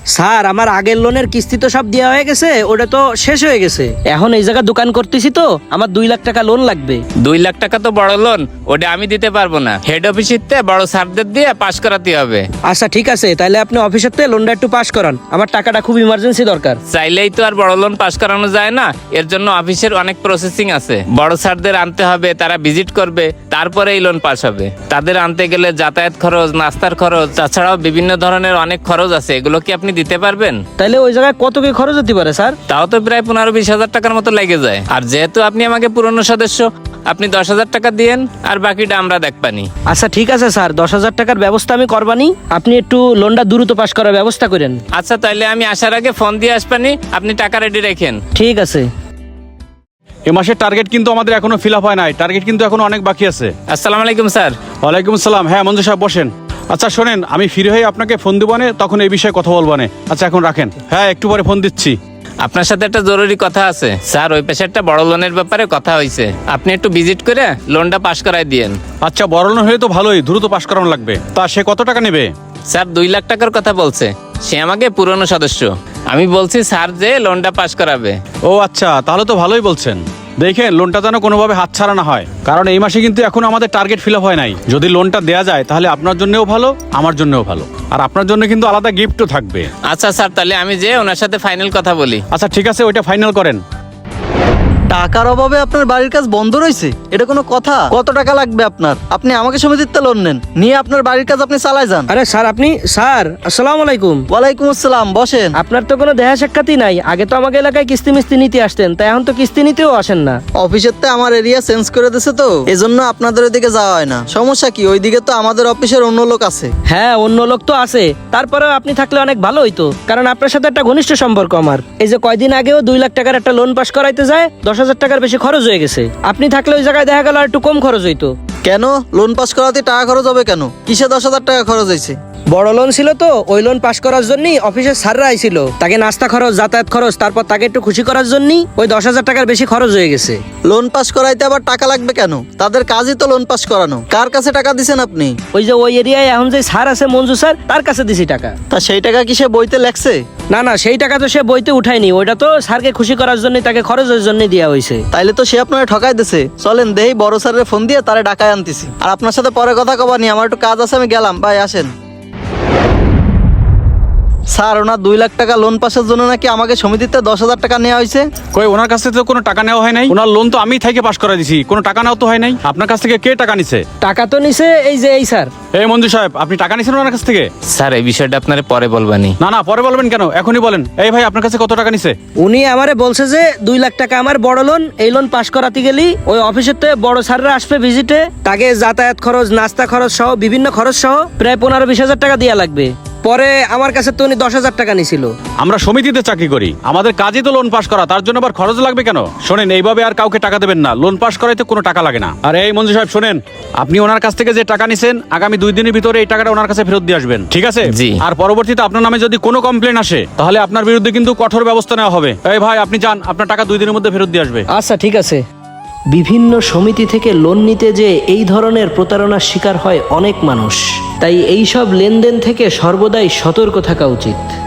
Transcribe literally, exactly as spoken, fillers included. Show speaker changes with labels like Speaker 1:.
Speaker 1: Sir আমার আগের লোনের কিস্তি তো সব দেওয়া হয়ে গেছে, ওটা তো শেষ হয়ে গেছে। এখন এই জায়গায় দোকান করতেছি তো আমার দুই লাখ টাকা লোন লাগবে।
Speaker 2: দুই লাখ টাকা তো বড় লোন, ওটা আমি দিতে পারবো না। হেড অফিসিতে বড় স্যারদের দিয়ে পাশ করাতে হবে।
Speaker 1: আচ্ছা ঠিক আছে, তাহলে আপনি অফিসের থেকে লোনটা একটু পাস করান, আমার টাকাটা খুব ইমার্জেন্সি দরকার।
Speaker 2: চাইলেই তো আর বড় লোন পাশ করানো যায় না, এর জন্য অফিসের অনেক প্রসেসিং আছে। বড় স্যারদের আনতে হবে, তারা ভিজিট করবে, তারপরে এই লোন পাস হবে। তাদের আনতে গেলে যাতায়াত খরচ, নাস্তার খরচ, তাছাড়াও বিভিন্ন ধরনের অনেক খরচ আছে। এগুলো কি আপনি দিতে পারবেন?
Speaker 1: তাহলে ওই জায়গায় কত কি খরচ হতে পারে স্যার?
Speaker 2: তাও তো প্রায় পনেরো বিশ হাজার টাকার মতো লেগে যায়। আর যেহেতু আপনি আমাকে পুরনো সদস্য, আপনি দশ হাজার টাকা দিয়েন, আর বাকিটা আমরা দেখবানি।
Speaker 1: আচ্ছা ঠিক আছে স্যার, দশ হাজার টাকার ব্যবস্থা আমি করবানি, আপনি একটু লোনটা দ্রুত পাস করার ব্যবস্থা করেন।
Speaker 2: আচ্ছা তাইলে আমি আসার আগে ফোন দিয়ে আসবানি, আপনি টাকা রেডি রাখেন।
Speaker 1: ঠিক আছে।
Speaker 3: এ মাসের টার্গেট কিন্তু আমাদের এখনো ফিল আপ হয় নাই, টার্গেট কিন্তু এখনো অনেক বাকি আছে।
Speaker 2: আসসালামু আলাইকুম স্যার।
Speaker 3: ওয়ালাইকুম আসসালাম। হ্যাঁ মঞ্জু সাহেব বসেন। আচ্ছা শোনেন, আমি ফ্রি হয়ে আপনাকে ফোন দিবানে, তখন এই বিষয়ে কথা বলবানে। আচ্ছা এখন রাখেন। হ্যাঁ একটু পরে ফোন দিচ্ছি।
Speaker 2: আপনার সাথে একটা জরুরি কথা আছে স্যার। ওই পাশে একটা বড় লোনের ব্যাপারে কথা হয়েছে, আপনি একটু ভিজিট করে লোনটা পাস করাই দিয়েন।
Speaker 3: আচ্ছা বড় লোন হলে তো ভালোই, দ্রুত পাস করানো লাগবে। তা সে কত টাকা নেবে?
Speaker 2: স্যার দুই লাখ টাকার কথা বলছে, সে আমাকে পুরনো সদস্য। আমি বলছি স্যার যে লোনটা পাস করাবে।
Speaker 3: ও আচ্ছা, তাহলে তো ভালোই বলছেন। দেখেন লোনটা যেন কোনোভাবে হাতছাড়া না হয়, কারণ এই মাসে কিন্তু এখন আমাদের টার্গেট ফিল আপ হয় নাই। যদি লোনটা দেয়া যায় তাহলে আপনার জন্যও ভালো, আমার জন্যও ভালো, আর আপনার জন্য কিন্তু আলাদা গিফটও থাকবে।
Speaker 2: আচ্ছা স্যার, তাহলে আমি যে ওনার সাথে ফাইনাল কথা বলি।
Speaker 3: আচ্ছা ঠিক আছে, ওইটা ফাইনাল করেন।
Speaker 4: টাকার অভাবে আপনার বাড়ির কাজ বন্ধ রয়েছে, এটা কোনো কথা? কত টাকা লাগবে আপনার? আপনি আমাকে সমিতিতে লোন নেন, নিয়ে আপনার বাড়ির কাজ আপনি চালায় যান।
Speaker 1: আরে স্যার আপনি, স্যার আসসালামু আলাইকুম।
Speaker 4: ওয়ালাইকুম আসসালাম, বসেন।
Speaker 1: আপনার তো কোনো দেখা সাক্ষাৎই নাই, আগে তো আমাকে এলাকায় কিস্তি মিস্তি নিতে আসতেন, তাই এখন তো কিস্তি নিতেও আসেন না।
Speaker 4: অফিসের তো আমার এরিয়া চেঞ্জ করে দিছে, তো এজন্য আপনাদের ওইদিকে যাওয়া হয় না। সমস্যা কি? ওইদিকে তো আমাদের অফিসের অন্য লোক আছে।
Speaker 1: হ্যাঁ অন্য লোক তো আছে, তারপরেও আপনি থাকলে অনেক ভালো হইতো, কারণ আপনার সাথে একটা ঘনিষ্ঠ সম্পর্ক আমার। এই যে কয়দিন আগেও দুই লাখ টাকার একটা লোন পাস করাইতে যায়, দশ হাজার টাকার বেশি খরচ হয়ে গেছে। আপনি থাকলে ওই জায়গায় দেখা গেল আর একটু কম খরচ হইতো।
Speaker 4: কেন লোন পাস করাতে টাকা খরচ হবে কেন? কিসে দশ হাজার টাকা খরচ হয়েছে?
Speaker 1: বড় লোন ছিল তো, ওই লোন পাস করার জন্যই অফিসের স্যাররা আইছিল, তাকে নাস্তা খরচ, যাতায়াত খরচ, তারপর তাকে একটু খুশি করার জন্যই ওই দশ হাজার টাকার বেশি খরচ হয়ে গেছে।
Speaker 4: লোন পাস করাইতে আবার টাকা লাগবে কেন? তাদের কাজই তো লোন পাস করানো। কার কাছে টাকা দিছেন আপনি?
Speaker 1: ওই যে ওই এরিয়ায় এখন যে স্যার আছে মঞ্জু স্যার, তার কাছে দিছি টাকা।
Speaker 4: তা সেই টাকা কি সে বইতে লেখছে?
Speaker 1: না না, সেই টাকা তো সে বইতে উঠায়নি, ওইটা তো স্যারকে খুশি করার জন্য, তাকে খরচের জন্য দেওয়া হয়েছে।
Speaker 4: তাইলে তো সে আপনারা ঠকাই দিছে। চলেন দেই বড় স্যারের ফোন দিয়ে তারে ডাকায় আনতেছি। আর আপনার সাথে পরে কথা কবানি, আমার একটু কাজ আছে, আমি গেলাম। ভাই আসেন। স্যার ওনার দুই লাখ টাকা লোন পাসের জন্য নাকি আমাকে সমিতিতে দশ হাজার টাকা নেওয়া হয়েছে।
Speaker 3: কই, ওনার কাছ থেকে তো কোনো টাকা নেওয়া হয় নাই। ওনার লোন তো আমি থেকে পাস করে দিছি, কোনো টাকা নেওয়া তো হয় নাই। আপনার কাছ থেকে কে টাকা নিছে?
Speaker 1: টাকা তো নিছে এই যে এই স্যার।
Speaker 3: এই মঞ্জু সাহেব, আপনি টাকা নিছেন ওনার কাছ থেকে?
Speaker 2: স্যার এই বিষয়টা আপনার পরে বলবানি।
Speaker 3: না না, পরে বলবেন কেন, এখনই বলেন। এই ভাই, আপনার কাছে কত টাকা নিছে?
Speaker 1: উনি আমারে বলছে যে দুই লাখ টাকা আমার বড় লোন, এই লোন পাস করাতে গেলি ওই অফিসের থেকে বড় স্যাররা আসবে ভিজিটে, তাকে যাতায়াত খরচ, নাস্তা খরচ সহ বিভিন্ন খরচ সহ প্রায় পনেরো বিশ হাজার টাকা দেওয়া লাগবে। পরে আমার কাছে তো উনি দশ হাজার টাকা নিছিল।
Speaker 3: আমরা সমিতিতে চাকরি করি, আমাদের কাজই তো লোন পাস করা, তার জন্য আবার খরচ লাগবে কেন? শোনেন, এইভাবে আর কাউকে টাকা দেবেন না, লোন পাস করাইতে কোনো টাকা লাগে না। আর এই মঞ্জু সাহেব শোনেন, আপনি ওনার কাছ থেকে যে টাকা নিছেন, আগামী দুই দিনের ভিতরে এই টাকাটা ওনার কাছে ফেরত দিয়ে আসবেন, ঠিক আছে?
Speaker 2: জি।
Speaker 3: আর পরবর্তীতে আপনার নামে যদি কোনো কমপ্লেন আসে, তাহলে আপনার বিরুদ্ধে কিন্তু কঠোর ব্যবস্থা নেওয়া হবে। এই ভাই আপনি যান, আপনার টাকা দুই দিনের মধ্যে ফেরত দিয়ে আসবে।
Speaker 1: আচ্ছা ঠিক আছে। বিভিন্ন সমিতি থেকে লোন নিতে যে এই ধরনের প্রতারণার শিকার হয় অনেক মানুষ, তাই এই সব লেনদেন থেকে সর্বদাই সতর্ক থাকা উচিত।